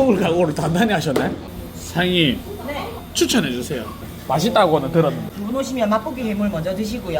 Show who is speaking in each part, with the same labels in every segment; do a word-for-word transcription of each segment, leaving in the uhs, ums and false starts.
Speaker 1: 먹을 각오를 단단히 하셨네. 사장님
Speaker 2: 네.
Speaker 1: 추천해 주세요. 맛있다고는 들었는데.
Speaker 2: 두 분 오시면 맛보기 해물 먼저 드시고요.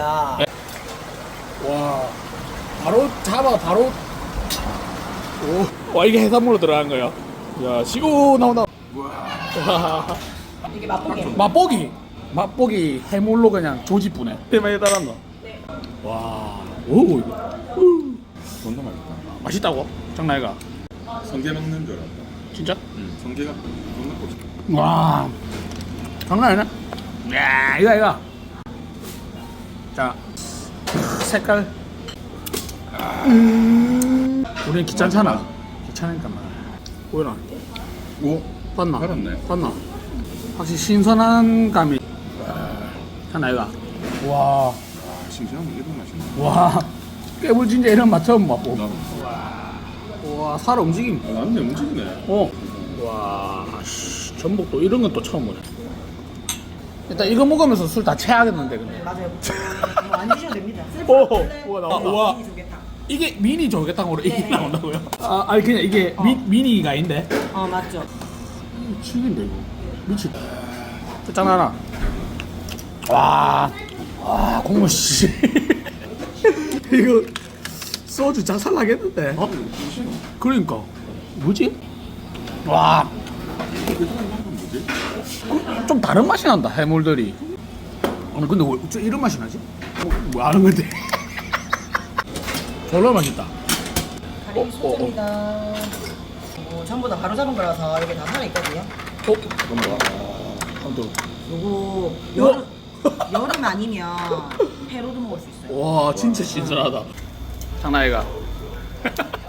Speaker 1: 와 바로 잡아 바로. 오, 와 이게 해산물로 들어간 거야. 야 시고 나온다. 와
Speaker 2: 이게 맛보기 해물.
Speaker 1: 맛보기 맛보기 해물로 그냥 조지뿌네. 대만에 따랐노.
Speaker 2: 네.
Speaker 1: 와, 오 이거 우.
Speaker 3: 존나 맛있다.
Speaker 1: 맛있다고? 장난이가?
Speaker 3: 성게 먹는 줄 알았다.
Speaker 1: 진짜?
Speaker 3: 응. 성게가 존나 고소.
Speaker 1: 와, 장난 아니네. 야, 이거 이거. 자, 색깔. 음, 우리는 귀찮잖아. 귀찮으니까 말. 보이나?
Speaker 3: 오.
Speaker 1: 봤나?
Speaker 3: 살았네.
Speaker 1: 봤나? 확실히 신선한 감이. 장난 아이가? 와,
Speaker 3: 아, 싱싱한 거 이런 맛이네.
Speaker 1: 와, 깨물 진짜 이런 맛 처음 맛보.
Speaker 3: 나도.
Speaker 1: 와, 살 움직임.
Speaker 3: 아, 맞네. 움직이네.
Speaker 1: 어. 와, 씨, 전복도 이런 건 또 처음 보네. 일단 이거 먹으면서 술 다 체하겠는데 근데.
Speaker 2: 맞아요. 뭐 안 드셔도 됩니다.
Speaker 1: 오,
Speaker 2: 쓸
Speaker 1: 우와,
Speaker 2: 래
Speaker 1: 나온다. 우와.
Speaker 2: 조개탕.
Speaker 1: 이게 미니 조개탕으로 이게
Speaker 2: 네.
Speaker 1: 나온다고요? 아, 아니 그냥 이게 미, 미니가 아닌데.
Speaker 2: 어 맞죠.
Speaker 1: 치긴데 이거. 미치다. 짠하나. 와, 와 국물 씨. 이거 소주 작살 나겠는데. 어? 그러니까 뭐지? 와,
Speaker 3: 뭐지?
Speaker 1: 그, 좀 다른 맛이 난다 해물들이. 아니 근데 왜 어째 이런 맛이 나지? 뭐, 뭐 아는 건데? 졸라 맛있다.
Speaker 2: 가리비 소스입니다. 어, 전부 다 바로 잡은 거라서 이게 다 살아 있거든요.
Speaker 1: 어?
Speaker 3: 그럼
Speaker 1: 아무튼
Speaker 2: 요거
Speaker 1: 우와.
Speaker 2: 여름 여름 아니면 회로도 먹을 수 있어요.
Speaker 1: 와 진짜 신선하다. 장난 아이가.